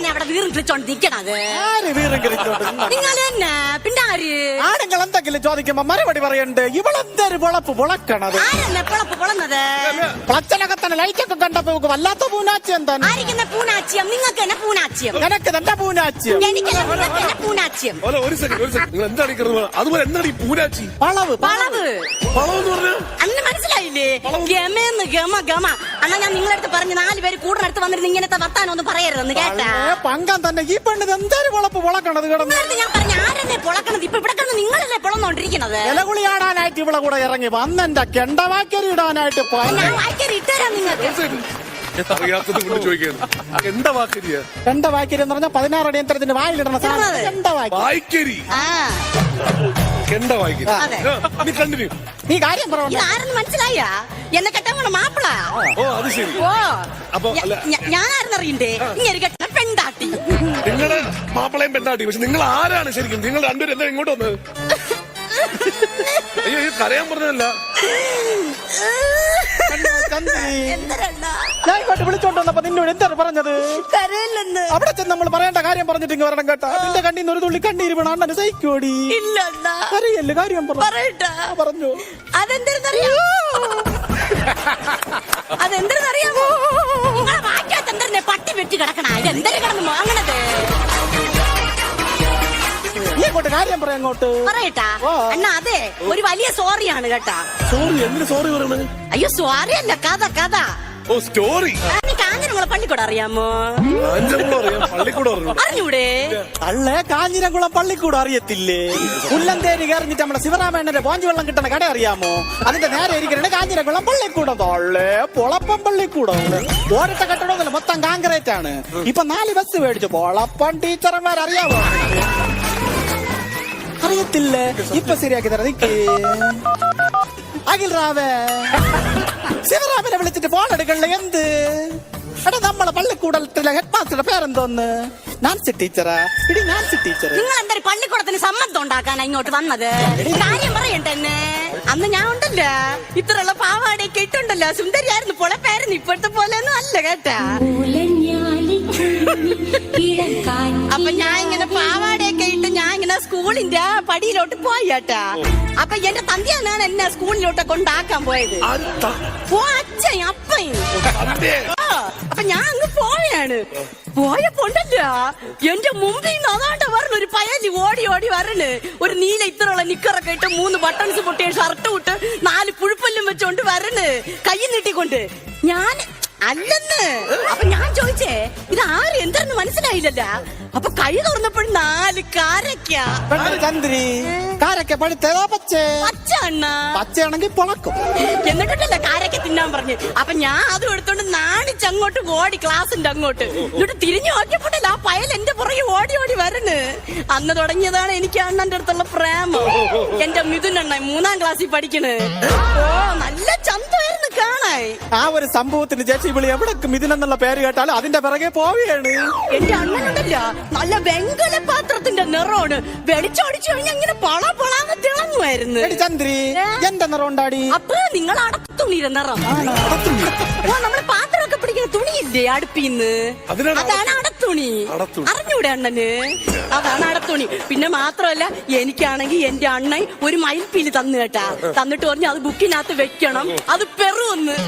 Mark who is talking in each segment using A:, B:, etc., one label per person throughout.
A: തന്നെ അവിടെ വീറും കിളിച്ചോണ്ട് നിക്കണത്?
B: ആര് വീറും കിളിച്ചോണ്ട്?
A: നിങ്ങൾ തന്നെ. പിന്നെ ആര്?
B: ആരെങ്കിലും എന്തെങ്കിലും ചോദിക്കുമ്പോ മറുപടി പറയണ്ട്. ഇവളെന്തൊരു പൊളപ്പ് പൊളക്കണത്?
A: ആരെന്നെ പൊളപ്പ് പൊളന്നത്?
B: പ്ലച്ചനകത്തന്നെ ലൈറ്റൊക്കെ കണ്ടപ്പോ വല്ലാത്ത പൂനാച്ചിയം തന്നെ.
A: ആയിരിക്കുന്ന പൂനാച്ചിയം? നിങ്ങൾക്ക് തന്നെ പൂനാച്ചിയം.
B: നിനക്ക് തന്നെ പൂനാച്ചിയം.
A: എനിക്കല്ല, നിങ്ങൾക്ക് തന്നെ പൂനാച്ചിയം.
C: ഒരു സെക്കൻഡ് നിങ്ങൾ എന്താണ് അതുപോലെ എന്താണ് ഈ പൂനാച്ചി?
B: വളവ്
A: വളവ്
C: എന്ന് പറഞ്ഞാൽ
A: അന്ന് മനസ്സിലായില്ലേ? ഗമേന്ന് ഗമ ഗമ. അണ്ണാ ഞാൻ നിങ്ങളടുത്ത് പറഞ്ഞ് 4 പേര് കൂടിനടുത്ത് വന്നിരുന്ന് ഇങ്ങനത്തെ വർത്താനം ഒന്നും പറയരുതെന്ന് കേട്ടാ.
B: പങ്കാൻ തന്നെ ഈ പെണ്ണിത് എന്തൊരു പൊളപ്പ് പൊളക്കണത് കിടന്ന്.
A: ഞാൻ പറഞ്ഞ ആരെന്നെ പൊളക്കണത്? ഇപ്പൊ ഇവിടെ കിടന്ന് നിങ്ങളല്ലേ പൊളന്നോണ്ടിരിക്കണത്?
B: ഇലകുളി ആടാനായിട്ട് ഇവിടെ കൂടെ ഇറങ്ങി വന്നെന്റെ കെണ്ടവാക്കരി ഇടാനായിട്ട്
A: ഞാൻ വായിക്കറി ഇട്ടുതരാം നിങ്ങൾക്ക്.
C: അറിയാത്തത് കൊണ്ട് ചോദിക്കുന്നു. എന്താ വാക്കരിയ?
B: കെണ്ടവാക്കരി എന്ന് പറഞ്ഞാൽ 16 അടിയന്തരത്തിന്റെ വായിലിടണ സാധനം
C: വായിക്കരി. കെണ്ട വായിക്കരി. നീ കണ്ടിന്യൂ.
B: നീ കാര്യം പറഞ്ഞു.
A: ഇതാരെന്ന് മനസ്സിലായ? എന്നെ കെട്ടാൻ പോണ മാപ്പിള.
C: ഓ അത് ശരി.
A: ഓ
C: അപ്പൊ
A: ഞാനാരെന്നറിയണ്ടേ? ഇങ്ങനെ കെട്ട പെണ്ടാട്ടി.
C: നിങ്ങള് മാപ്പിളയും പെണ്ണാട്ടി. പക്ഷെ നിങ്ങൾ ആരാണ് ശരിക്കും? നിങ്ങൾ രണ്ടുപേരും എന്താ ഇങ്ങോട്ട് വന്നത്? അയ്യോ ഈ കരയാൻ പറഞ്ഞതല്ല.
B: ഞാൻ ഇങ്ങോട്ട് വിളിച്ചോണ്ട് വന്നപ്പോ നിന്നോട് എന്താണ് പറഞ്ഞത്?
A: കരയില്ലെന്ന്.
B: അവിടെ ചെന്ന് നമ്മൾ പറയേണ്ട കാര്യം പറഞ്ഞിട്ട് ഇങ്ങ് വരണം കേട്ടാ. നിന്റെ കണ്ണീന്ന് ഒരു തുള്ളി കണ്ണീര് വീണ അണ്ണന് സഹിക്കോടി.
A: ഇല്ല
B: കരയല്ലേ? കാര്യം പറഞ്ഞു.
A: അതെന്തെന്നറിയാമോ? നിങ്ങളെ വായിക്കാത്ത എന്തെന്നെ പട്ടി വെട്ടി കിടക്കണ ഇതെന്തൊരു കിടന്നു വാങ്ങണത്?
B: നീ അങ്ങോട്ട് കാര്യം പറയാം. അങ്ങോട്ട്
A: പറയട്ടാ അണ്ണാ. അതെ ഒരു വലിയ സോറിയാണ് കേട്ടാ.
C: സോറി? എന്തിനു സോറി പറയണത്?
A: അയ്യോ സോറി അല്ല, കഥ.
C: ഓ സ്റ്റോറി.
A: കാഞ്ഞിരംകുളം പള്ളിക്കൂടം അറിയാമോ?
C: പള്ളിക്കൂടം
A: അറിഞ്ഞൂടെ?
B: അല്ലേ കാഞ്ഞിരംകുളം പള്ളിക്കൂടം അറിയത്തില്ലേ? പുല്ലന്തേരി കയറിഞ്ഞിട്ട് നമ്മുടെ ശിവരാമേണ്ണന്റെ പോഞ്ചു വെള്ളം കിട്ടണ കട അറിയാമോ? അതിന്റെ നേരെ ഇരിക്കണേ കാഞ്ഞിരംകുളം പള്ളിക്കൂടം. തൊള്ളേ പൊളപ്പം പള്ളിക്കൂടം. ഓരത്തെ കെട്ടണമെന്നില്ല, മൊത്തം കാങ്കറേറ്റ് ആണ്. ഇപ്പൊ 4 ബസ് മേടിച്ചു. പൊളപ്പം ടീച്ചർമാർ അറിയാമോ? അറിയത്തില്ലേ? ഇപ്പൊ ശരിയാക്കി തരാം. നിക്ക് അഖിൽ റാവേ, ശിവറാമിനെ വിളിച്ചിട്ട് ഫോൺ എടുക്കണല്ലേ? എന്ത് എടാ, നമ്മളെ പള്ളിക്കൂടത്തിലെ ഹെഡ് മാസ്റ്ററുടെ പേരെന്തോന്ന്? നാൻസി ടീച്ചറാ. ഇടി നാൻസി ടീച്ചർ.
A: നിങ്ങൾ എന്താ പള്ളിക്കൂടത്തിന് സമ്മതം ഉണ്ടാക്കാനാ ഇങ്ങോട്ട് വന്നത്? കാര്യം പറയട്ടെ എന്നെ. അന്ന് ഞാൻ ഉണ്ടല്ല ഇത്രയുള്ള പാവാടയൊക്കെ ഇട്ടുണ്ടല്ലോ, സുന്ദരിയായിരുന്നു, പൊളപ്പായിരുന്നു. ഇപ്പോഴത്തെ പോലെ ഒന്നും അല്ല കേട്ടാ. അപ്പൊ ഞാൻ ഇങ്ങനെ പാവാടയൊക്കെ ഇട്ട് ഞാൻ ഇങ്ങനെ സ്കൂളിന്റെ പടിയിലോട്ട് പോയി കേട്ടാ. അപ്പൊ എന്റെ തന്തിയാണ് എന്നെ സ്കൂളിലോട്ട് കൊണ്ടാക്കാൻ പോയത്. അച്ഛൻ അപ്പൻ. അപ്പൊ ഞാൻ അങ്ങ് പോയാണ്. പോയപ്പോണ്ടല്ല എന്റെ മുമ്പിൽ നിന്ന് അതാണ്ട് പറഞ്ഞ ഒരു പയലി ഓടി വരണ്. ഒരു നീല ഇത്രയുള്ള നിക്കറൊക്കെ ഇട്ട് 3 ബട്ടൺസ് പൊട്ടിയ ഷർട്ട് ഇട്ട് 4 പുഴുപ്പല്ലും വെച്ചോണ്ട് വരണ്, കൈ നീട്ടിക്കൊണ്ട്. ഞാൻ അല്ലെന്ന്. അപ്പൊ ഞാൻ ചോദിച്ചേ ഇത് ആര് എന്താന്ന് മനസ്സിലായില്ലല്ല. അപ്പൊ കൈ തുറന്നപ്പോഴും 4 കാരക്ക.
B: ചന്ദ്രി കാരക്ക പഴുത്തതാ പച്ച
A: അണ്ണ?
B: പച്ചയാണെങ്കിൽ പൊളക്കും.
A: എന്നിട്ടല്ല കാരക്ക തിന്നാൻ പറഞ്ഞു. അപ്പൊ ഞാൻ അതും എടുത്തോണ്ട് നാണിച്ചങ്ങോട്ട് ഓടി ക്ലാസിന്റെ അങ്ങോട്ട്. എന്നിട്ട് തിരിഞ്ഞു നോക്കിയപ്പോട്ടല്ല ആ പയൽ എന്റെ പുറകെ ഓടി വരണ്. അന്ന് തുടങ്ങിയതാണ് എനിക്ക് അണ്ണന്റെ അടുത്തുള്ള പ്രേമം. എന്റെ മിഥുൻ അണ്ണൻ 3ാം ക്ലാസ്സിൽ പഠിക്കണ്. ഓ നല്ല ചന്തമായിരുന്നു കാണാൻ.
B: ആ ഒരു സംഭവത്തിന് ചേച്ചി വിളി എവിടെ മിഥുനെന്നുള്ള പേര് കേട്ടാലും അതിന്റെ പിറകെ പോവുകയാണ്.
A: എന്റെ അണ്ണനുണ്ടല്ല നല്ല വെങ്കല പാത്രത്തിന്റെ നിറമാണ്. വെളിച്ചോടിച്ചു കഴിഞ്ഞാൽ ഇങ്ങനെ പളാന്ന് തിളങ്ങുമായിരുന്നു.
B: ചന്ദ്രി എന്റെ നിറം ഉണ്ടാടി.
A: അപ്പൊ നിങ്ങൾ അടത്തു തുണിയുടെ നിറം. ഓ നമ്മള് പാത്രമൊക്കെ പിടിക്കുന്ന തുണിയില്ലേ അടുപ്പിന്ന്, അതാണ് അടത്തുണി. അറിഞ്ഞൂടെ അണ്ണന്? അതാണ് അടത്തുണി. പിന്നെ മാത്രമല്ല എനിക്കാണെങ്കിൽ എന്റെ അണ്ണൻ ഒരു മയിൽപ്പീലി തന്നു കേട്ടാ. തന്നിട്ട് പറഞ്ഞു അത് ബുക്കിനകത്ത് വെക്കണം, അത് പെറുവെന്ന്.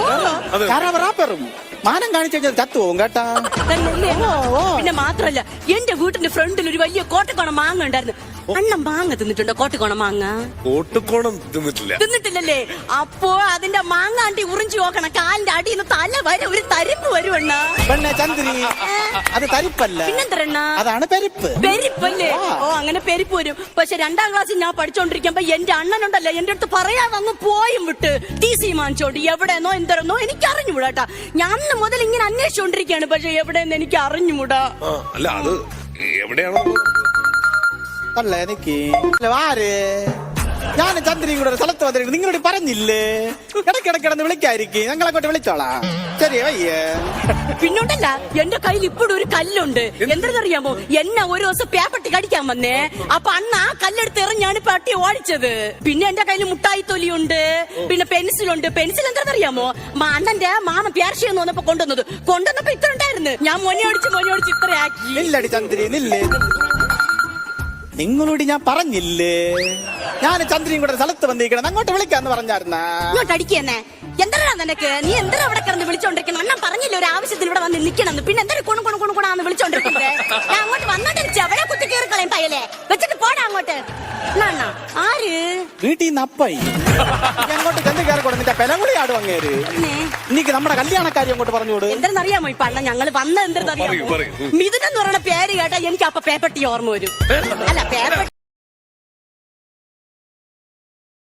B: മാനം കാണിച്ചു കഴിഞ്ഞാൽ ചത്തുപോകും കേട്ടാ.
A: പിന്നെ മാത്രല്ല എന്റെ വീട്ടിന്റെ ഫ്രണ്ടിൽ ഒരു വലിയ കോട്ടക്കോണം മാങ്ങ ഉണ്ടായിരുന്നു. അണ്ണൻ മാങ്ങ തിന്നിട്ടുണ്ടോ? കോട്ടക്കോണം മാങ്ങ
C: കോട്ടക്കോണം തിന്നിട്ടില്ലല്ലേ?
A: അപ്പോ അതിന്റെ മാങ്ങ ആണ്ടി ഉറിഞ്ചു നോക്കണം. കാലിന്റെ അടിയിൽ നിന്ന് തല വരെ ഒരു തരിപ്പ് വരുവണ്ണ.
B: പെണ്ണെ ചന്ദ്രി അത് തരിപ്പല്ല,
A: പിന്നെന്തരണ്ണ?
B: അതാണ് പെരിപ്പ്.
A: പെരിപ്പല്ലേ? ഓ അങ്ങനെ പെരിപ്പ് വരും. പക്ഷെ 2ാം ക്ലാസ്സിൽ ഞാൻ പഠിച്ചോണ്ടിരിക്കുമ്പോ എന്റെ അണ്ണനുണ്ടല്ലോ എന്റെ അടുത്ത് പറയാതെ അങ്ങ് പോയും വിട്ട് TC വാങ്ങിച്ചോണ്ട് എവിടെന്നോ എന്തരെന്നോ എനിക്ക് അറിഞ്ഞുകൂടാട്ടാ. ഞാൻ അന്ന് മുതൽ ഇങ്ങനെ അന്വേഷിച്ചോണ്ടിരിക്കുകയാണ്. പക്ഷെ എവിടെയെന്ന് എനിക്ക് അറിഞ്ഞുകൂടാ.
C: അല്ല അത് എവിടെയാണോ
B: അല്ലേ എനിക്ക് ആര് ഞാൻ ചന്ദ്രയും കൂടെ ഒരു സ്ഥലത്ത് വന്നിരിക്കുന്നു നിങ്ങളോട് പറഞ്ഞില്ലേ ഇടയ്ക്കിടയ്ക്കിടന്ന് വിളിക്കായിരിക്കും ഞങ്ങളെ കൊണ്ട് വിളിച്ചോളാം ശരി വയ്യേ
A: പിന്നോട്ടല്ല എന്റെ കയ്യിൽ ഇപ്പോഴും ഒരു കല്ലുണ്ട് എന്തെന്നറിയാമോ എന്നെ ഒരു ദിവസം പേപ്പട്ടി കടിക്കാൻ വന്നേ അപ്പൊ അന്ന് ആ കല്ലെടുത്ത് എറിഞ്ഞാണ് പട്ടി ഓടിച്ചത് പിന്നെ എന്റെ കയ്യിൽ മുട്ടായി തൊലിയുണ്ട് പിന്നെ പെൻസിലുണ്ട് പെൻസിൽ എന്തെന്നറിയാമോ അണ്ണന്റെ മാമ പ്യാർഷിയെന്ന് വന്നപ്പോ കൊണ്ടുവന്നപ്പോ ഇത്ര ഉണ്ടായിരുന്നു ഞാൻ മൊനയോടിച്ച് ഇത്ര ആക്കി
B: നില്ലടി ചന്ദ്രി നില്ലേ നിങ്ങളോട് ഞാൻ പറഞ്ഞില്ലേ ഞാൻ ചന്ദ്രയും കൂടെ ഒരു സ്ഥലത്ത് വന്നിരിക്കണം അങ്ങോട്ട് വിളിക്കാന്ന് പറഞ്ഞായിരുന്ന
A: ഇങ്ങോട്ട് അടിക്കുന്നേ എന്താ നിനക്ക് നീ എന്താ അവിടെ കിടന്ന് വിളിച്ചോണ്ടിരിക്കണം അണ്ണൻ പറഞ്ഞില്ല ഒരു ആവശ്യത്തിന് ഇവിടെ വന്ന് നിക്കണം പിന്നെ എന്താ കുണുകുണാന്ന് വിളിച്ചോണ്ടിരിക്കുന്നത് ഞാൻ അങ്ങോട്ട് വന്നോണ്ടിരിച്ചു അവിടെ കുത്തി കയറി കളയും പയ്യലെ വെച്ചിട്ട് പോടാ അങ്ങോട്ട് അണ്ണാ ആര്
B: വീട്ടിൽ നിന്ന് അപ്പായി അങ്ങോട്ട് ചെന്ന് കയറി കൊടുത്തിട്ട് പെലകുളി ആടും അങ്ങേര് എനിക്ക് നമ്മുടെ കല്യാണക്കാരി അങ്ങോട്ട് പറഞ്ഞോട്
A: എന്തെന്നറിയാമോ ഇപ്പൊ അണ്ണ ഞങ്ങള് വന്ന എന്തെന്നറിയാമോ
C: പറയൂ.
A: മിഥുനെന്ന് പറയുന്ന പേര് കേട്ടാ എനിക്ക് അപ്പൊ പേപ്പട്ടി ഓർമ്മ വരും അല്ല പേപ്പട്ടി